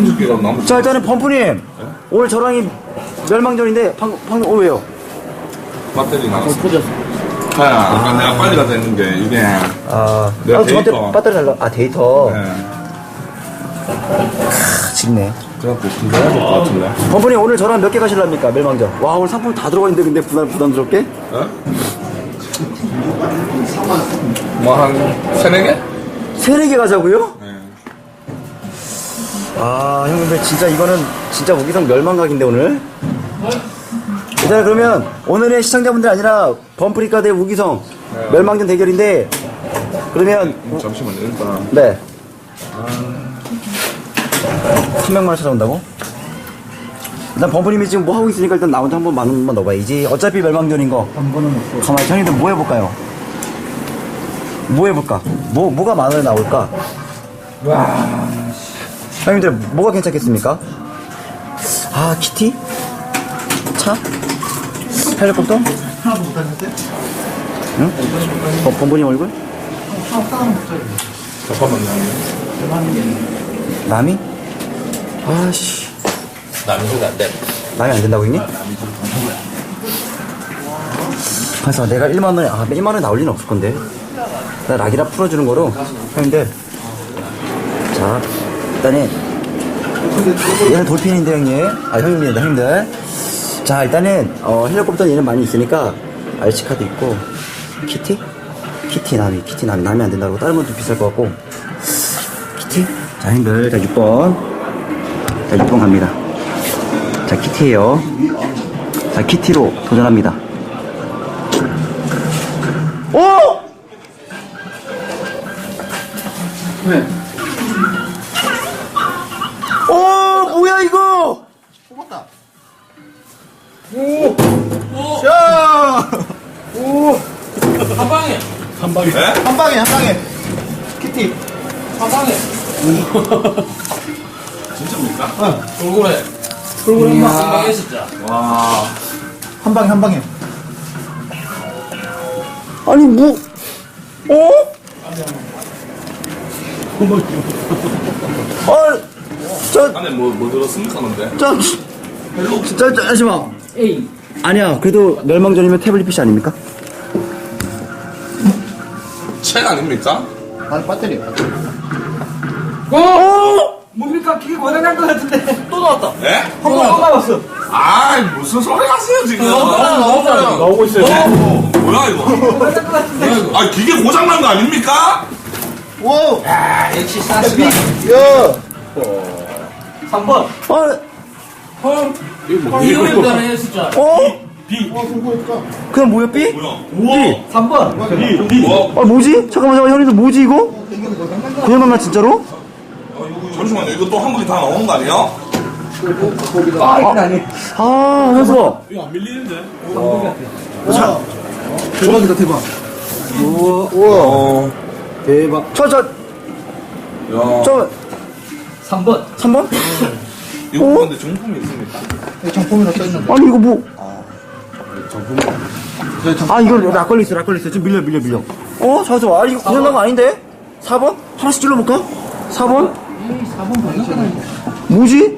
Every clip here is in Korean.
30개가 남았어. 자, 일단은 범프님. 오늘 저랑이 멸망전인데, 방금, 왜요? 배터리 나갔어. 아까 내가 빨리 가자 했는데, 이게. 내가 저한테 데이터. 배터리 달라. 데이터. 네. 쉽네. 그래갖고 분석해야 될 것 같은데. 범프님, 오늘 저랑 몇 개 가실랍니까? 멸망전. 와, 오늘 상품 다 들어가 있는데, 근데 부담스럽게? 뭐, 한 3-4개? 3-4개 가자고요? 네. 형님들, 진짜 이거는 진짜 무기성 멸망각인데, 오늘? 일단 그러면, 오늘의 시청자분들 아니라, 범프리카 대 무기성 멸망전 대결인데, 그러면, 잠시만요, 일단. 네. 한 명만 찾아온다고? 일단 범프님이 지금 뭐 하고 있으니까 일단 나 혼자 한번 만 원만 넣어봐야지. 어차피 멸망전인 거. 한 번은 없어. 가만히 형님들 뭐 해볼까요? 뭐 해볼까? 뭐가 만 원에 나올까? 와. 형님들 뭐가 괜찮겠습니까? 키티? 차? 헬리콥터? 하나도 못하셨어요? 응? 범프님 얼굴? 잠깐만요. 남이? 아씨. 남이 소리 안 돼. 남이 안 된다고 형님? 그래서 내가 1만 원에 1만 원에 나올 리는 없을 건데. 나 락이라 풀어주는 거로 형님들. 자, 일단은 얘는 돌핀인데 형님. 형님입니다 형님들. 자, 일단은 헬리콥터 얘는 많이 있으니까 RC 카드 있고 키티 남이 안 된다고. 다른 건 좀 비쌀 것 같고 키티. 자, 형님들. 자, 6번. 자, 6번 갑니다. 자, 키티에요. 자, 키티로 도전합니다. 오! 왜? 뭐야 이거? 뽑았다. 자! 한 방에. 네? 한 방에. 키티. 한 방에. 진짜입니까? 돌고래. 한 방에 진짜. 와. 한 방에. 아니 안에 뭐 들었습니까, 근데? 잠시만. 에이. 아니야, 그래도 멸망전이면 태블릿 PC 아닙니까? 책 아닙니까? 배터리. 뭡니까? 그게 고장난 것 같은데. 또 나왔다. 네? 한 번 또 나왔어. 무슨 소리 하세요, 지금? 나오고 있어요. 뭐야, 이거? 고장난 것 같은데. 기계 고장난 거 아닙니까? 오! 역시 사스가. 야! 3번. 헐. 이거 잘해 진짜. 그냥 뭐야, B? 뭐야? 3번. 뭐지? 잠깐만, 형님들 뭐지, 이거? 고장났나, 진짜로? 잠시만요, 이거 또 한 번에 다 나오는 거 아니에요? 현수아. 이거 안 밀리는데? 대박이다, 대박. 우와. 대박. 야. 3번. 3번? 이거 근데 정품이 있습니까? 정품이라 써있는데. 아니, 이거 뭐. 이거 락걸리 있어. 지금 밀려. 잠깐만. 이거 고장난 거 아닌데? 4번? 하나씩 찔러볼까? 4번? 4번 보이잖아. 뭐지?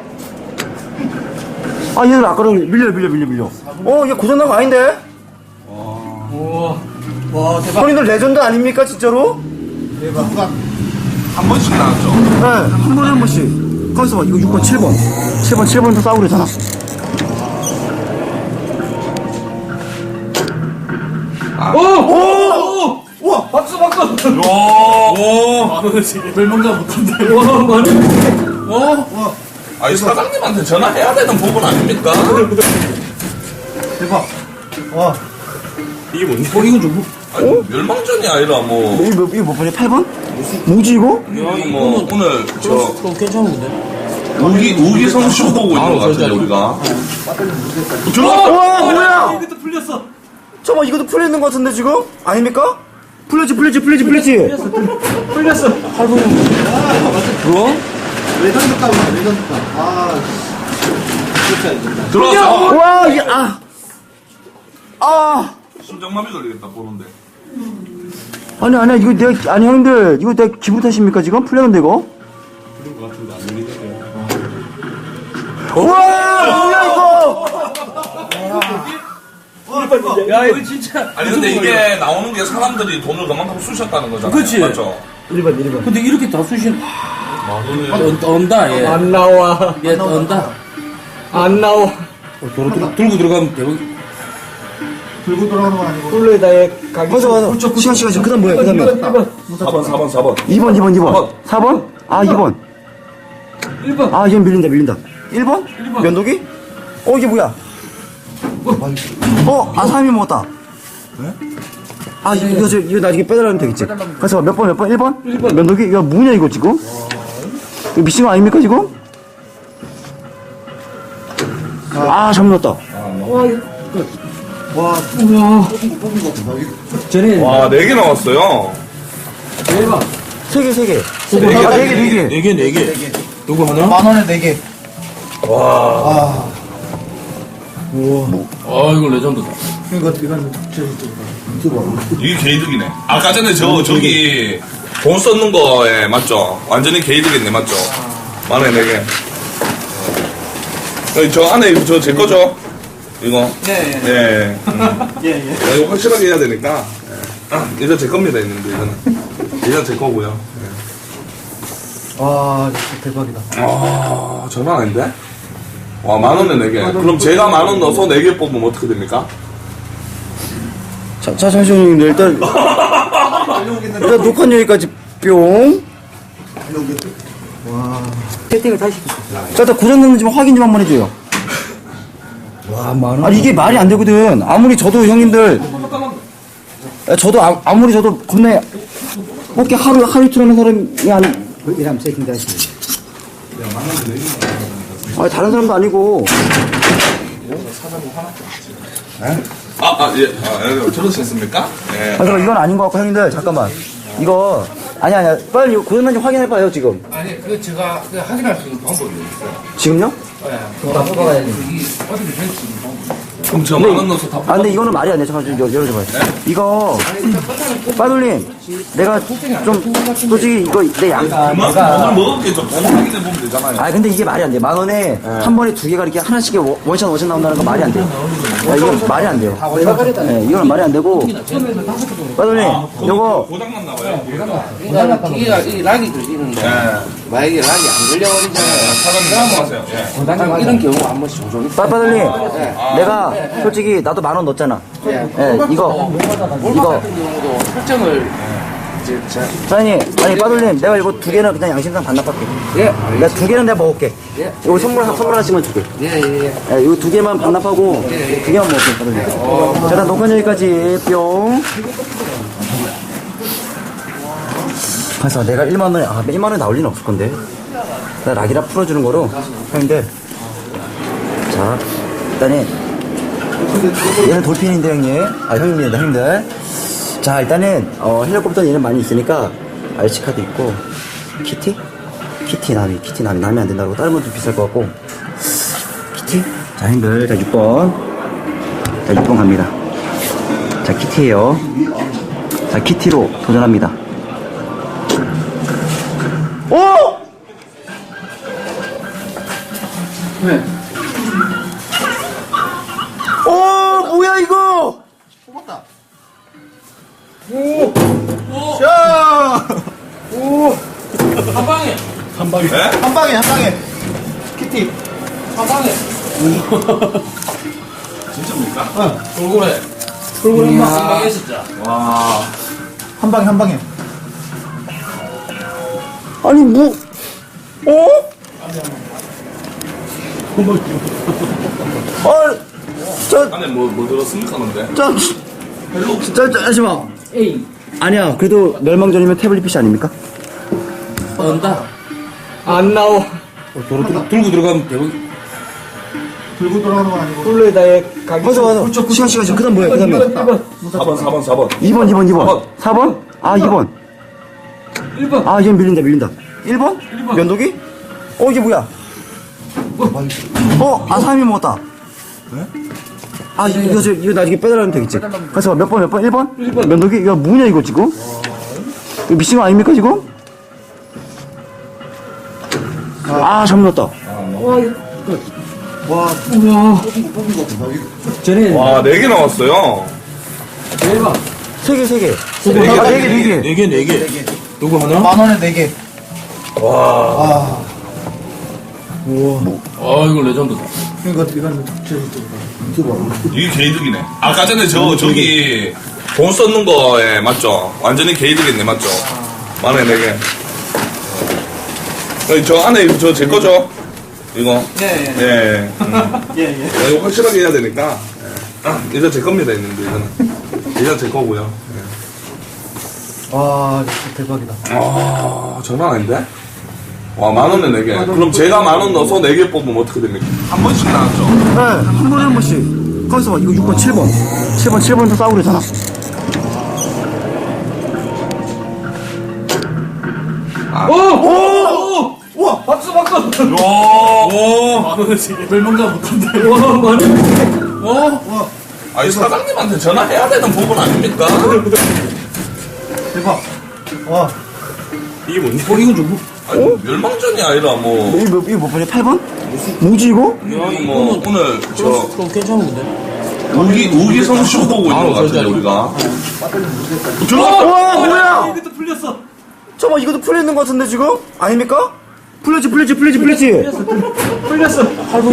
얘는 락걸리 밀려. 이게 고장난 거 아닌데? 와 대박. 형님들 레전드 아닙니까, 진짜로? 한 번씩 나왔죠? 네, 한 번씩. 거기서 봐, 이거 6번, 7번. 7번도 싸우고 그러잖아. 오! 우와! 박수! 야. 멸망자 못한다. 와! 이 사장님한테 전화해야 되는 부분 아닙니까? 대박. 와. 이게 뭔지? 이건 좀. 멸망전이 아니라 뭐. 이거 몇 번이야? 8번? 뭐지, 이거? 뭐 오늘 좀 괜찮은데? 우기성 쇼 보고 있는 것 같은데 우리가. 우와, 뭐야? 이것도 풀렸어. 잠깐만, 이것도 풀려있는 것 같은데, 지금? 아닙니까? 풀렸지. 풀렸어. 뭐야? 레전드 값이다, 레전드 값. 들어왔어. 와, 이게, 심장마비 걸리겠다 보는데. 아니야, 이거 형님들, 이거 내가 기분 탓입니까, 지금? 풀렸는데, 이거? 그런 것 같은데 안 밀리는데. 우와, 뭐야, 이거! 야, 이거 진짜. 아니 근데 이게 나오는 게 사람들이 돈을 그만큼 쑤셨다는 거잖아요. 그치. 맞죠? 1번, 1번. 근데 이렇게 다 쑤신. 만 떤다, 얘. 안 나와. 얘 떤다. 안 나와. 들고 들어가면 대박. 들고 돌아가는 건 아니고. 홀로에다에 가기. 맞아. 시간. 그 다음 뭐야, 그 다음에. 4번. 2번. 4번? 아, 2번. 1번. 아, 이건 밀린다. 1번? 면도기? 이게 뭐야? 아, 3이 먹었다. 아, 이거 나중에 빼달라면 되겠지. 가서 몇 번? 1번? 면도기? 이거 뭐냐, 이거 지금? 이거 미친 거 아닙니까, 지금? 아, 잘못 넣었다. 전에. 와, 4개 나왔어요. 대박. 3개. 개. 아, 4개. 4개. 누구 하나? 만 원에 4개. 이거 레전드다. 이건 이게 개이득이네. 아까 전에 저기 돈 썼는 거에 맞죠? 완전히 개이득이네, 맞죠? 만 원에 4개. 저 안에 이거 제 거죠? 이거? 네. 이거 확실하게 해야 되니까. 이거 제 겁니다, 있는데, 이거는. 이건 제 거고요. 와, 진짜 대박이다. 장난 아닌데? 와, 만 원에 4개. 그럼 제가 만 원 넣어서 4개 뽑으면 어떻게 됩니까? 자, 잠시만요. 일단 녹화는 여기까지 뿅. 세팅을 다시 시켰어. 자, 일단 고장났는지 확인 좀 한번 해줘요. 와, 만 원. 아니, 이게 말이 안 되거든. 아무리 저도 형님들, 저도 아무리 저도 겁나 그렇게 하루 이틀 하는 사람이 이러면 세팅 다시. 아니, 다른 사람도 아니고. 예. 들으셨습니까? 예. 아, 그럼 이건 아닌 것 같고, 형님들, 잠깐만. 이거, 아니야. 빨리 고장난지 확인해봐요, 지금. 아니, 제가 확인할 수 있는 방법이 있어요. 지금요? 그럼 저 만 원 넣어서 다 아, 근데 이거는 말이 안 돼. 잠깐 좀 열어줘봐요. 이거, 빠돌님, 내가 좀, 솔직히 이거 내 양. 그만큼 돈을 먹을게 좀 돈 확인해 보면 되잖아요. 아, 근데 이게 말이 안 돼. 만 원에 한 번에 2개가 이렇게 하나씩 원샷 나온다는 건 말이 안 돼요. 이건 말이 안 돼요. 네, 이건 말이 안 되고. 빠돌님, 요거, 고장났나 봐요. 그러니까 기계가 이 락이 걸리는데 만약에 락이 안 걸려버리잖아요. 사장님 말씀하세요. 예. 딱 이런 경우가 한 번씩 종종 있어요. 빠돌님, 내가 솔직히 나도 만 원 넣었잖아. 예, 이거. 같은 경우도 설정을 이제 사장님, 아니, 빠돌님, 내가 이거 2개는 그냥 양심상 반납할게. 내가 2개는 내가 먹을게. 이거 선물 하나씩만 줄게. 예예예. 예, 이거 2개만 반납하고 2개만 먹을게, 빠돌님. 자, 일단 녹화 여기까지 뿅. 그래서 내가 1만 원에, 1만 원에 나올 리는 없을 건데. 나 락이라 풀어주는 거로 형님들. 자, 일단은 얘는 돌핀인데 형님. 형님입니다, 형님들. 자, 일단은 헬리콥터 얘는 많이 있으니까 RC 카드 있고 키티 나미 나면 안 된다고 다른 것도 비쌀 것 같고 키티. 자, 형님들, 자 6번. 자, 6번 갑니다. 자, 키티예요. 자, 키티로 도전합니다. 오! 네. 뭐야 이거? 한 방에. 한 방에. 키티. 한 방에. 진짜입니까? 돌고래. 돌고래 한 방에 진짜. 와. 한 방에. 아니 안에 뭐 들었습니까, 근데? 잠시만. 에이. 아니야, 그래도 멸망전이면 태블릿 PC 아닙니까? 떤다. 안 나와. 들고 들어가면 대박. 들고 돌아가는 건 아니고. 홀로에다에 가기. 맞아. 시간. 그 다음 뭐야, 그 다음에. 4번. 2번. 4번? 아, 2번. 1번. 아, 이건 밀린다. 1번? 면도기? 이게 뭐야? 3이 먹었다. 아, 이거 나중에 빼달라면 되겠지. 가서 몇 번? 1번? 면도기? 이거 뭐냐, 이거 지금? 이거 미친 거 아닙니까, 지금? 아, 잘못 넣었다. 와, 쟤네 와, 4개 나왔어요. 대박. 세 개. 개. 아, 네 개. 4개. 누구 하나? 10,000원에 4개. 와. 이거 레전드다. 이건 이게 개이득이네. 아까 전에 저기 돈 썼는 거에 맞죠? 완전히 개이득이네, 맞죠? 만에 4개. 저 안에 저 제 거죠? 이거? 네. 예. 예. 이거 확실하게 해야 되니까. 예. 이거 제 겁니다, 있는데, 이거는. 이거 제 거고요. 예. 와, 진짜 대박이다. 아, 장난 아닌데? 와, 10,000원에 4개. 그럼 제가 10,000원 넣어서 4개 뽑으면 어떻게 됩니까? 한 번씩 나왔죠? 네, 한 번에 한 번씩. 가만있어 봐. 이거 6번, 7번. 7번부터 싸우고 그러잖아. 우와, 박수. 야, 별명가 못한다. 와, 많이. 아니, 사장님한테 전화해야 되는 부분 아닙니까? 대박. 와, 이게 뭔지? 이건 좀. 아니, 멸망전이 아니라 뭐. 이거 몇 번이야? 8번? 뭐지, 이거? 뭐, 오늘, 그럼 괜찮은데? 우기성 쇼 보고 있는 것 같은데, 우리가. 와, 뭐야! 이것도 풀렸어. 잠깐만, 이것도 풀려있는 것 같은데, 지금? 아닙니까? 풀렸지. 풀렸어.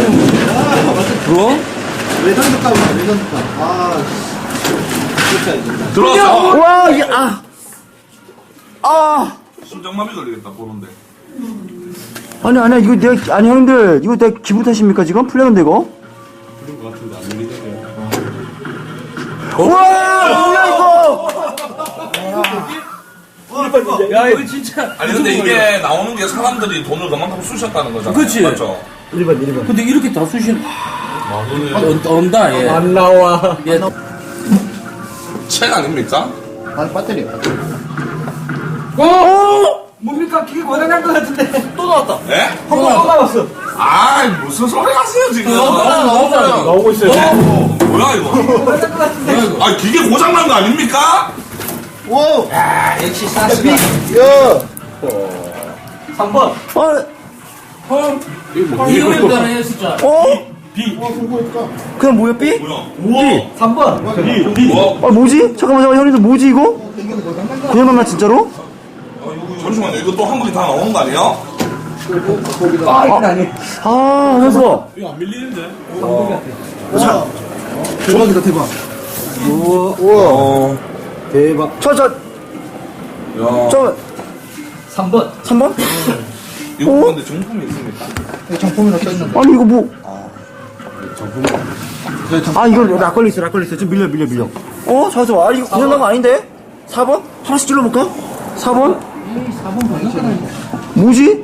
뭐? 레전드 값이다, 레전드 값. 아, 들어왔어. 와, 심장마비 걸리겠다, 보는데. 아니야, 이거 내가, 아니, 형님들, 이거 내가 기분 탓입니까, 지금? 풀렸는데, 이거? 우와, 뭐야, 이거! 야, 이거 진짜. 아니, 근데 이게 나오는 게 사람들이 돈을 그만큼 쑤셨다는 거잖아요. 그치. 맞죠? 1번. 근데 이렇게 다 쑤신. 언다, 얘. 안 나와. 얘. 책 아닙니까? 아, 배터리. 뭡니까? 기계 고장난 것 같은데. 또 나왔다. 예? 또 나왔어. 아이, 무슨 소리 하세요, 지금? 나오고 있어요. 뭐야, 이거? 고장난 것 같은데. 아, 기계 고장난 거 아닙니까? 오! 역시 사스가. 야! 3번. 이거는 했었잖아. 그냥 뭐야, B? 뭐야? 3번. 뭐? 뭐지? 잠깐만, 형님들, 뭐지, 이거? 그냥 만나, 진짜로? 잠시만요, 이거 또 한 번에 다 나오는 거 아니야? 이건 아니. 현수가. 대박이다, 대박. 우와. 대박. 야. 3번. 3번? 이거 근데 정품이 있습니까? 정품이라 써있는데. 아니, 이거 뭐. 이거 락걸리 있어. 좀 밀려. 잠깐만. 아, 이거 고장난 거 아닌데? 4번? 하나씩 찔러볼까? 4번? 4번 뭐지?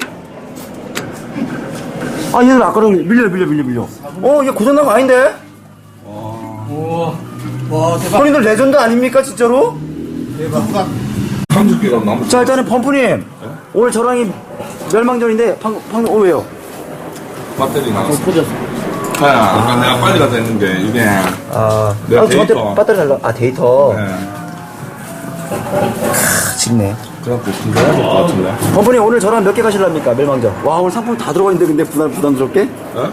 얘는 락걸리 밀려. 이게 고장난 거 아닌데? 와, 대박. 형님들 레전드 아닙니까, 진짜로? 대박. 30개가 남았어. 자, 일단은 범프님. 오늘 저랑이 멸망전인데, 방금, 왜요? 배터리 나갔어. 아까 내가 빨리 가자 했는데, 이게. 내가 저한테 데이터. 배터리 달라. 데이터. 네. 짓네. 그래갖고 분배해야 될 것 같은데. 범프님 오늘 저랑 몇 개 가실랍니까, 멸망전? 와, 오늘 상품 다 들어가 있는데, 근데 부담스럽게?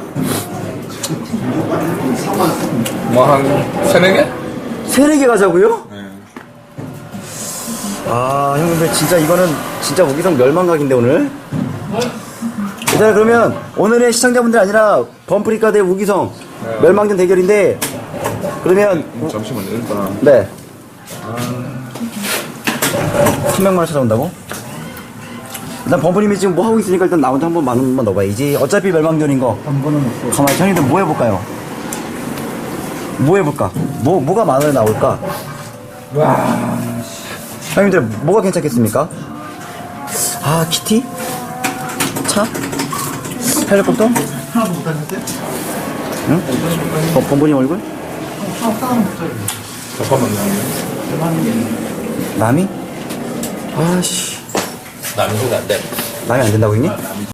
뭐, 한 3-4개? 3-4개 가자고요? 네. 형님들 진짜 이거는 진짜 우기성 멸망각인데 오늘. 일단 그러면 오늘의 시청자분들 아니라 범프리카 대 우기성 멸망전 대결인데 그러면 잠시만요, 일단. 네. 300만원 찾아온다고? 일단 범프님이 지금 뭐 하고 있으니까 일단 나 혼자 한번 10,000원만 넣어봐야지. 어차피 멸망전인 거. 한 번은 없어. 가만히 형님들 뭐 해볼까요? 뭐 해볼까? 뭐가 10,000원에 나올까? 형님들 뭐가 괜찮겠습니까? 키티? 차? 헬리콥터? 하나도 못하는데? 응? 범분이 얼굴? 잠깐만요. 남이? 아씨 남이 안 돼. 남이 안 된다고 형님?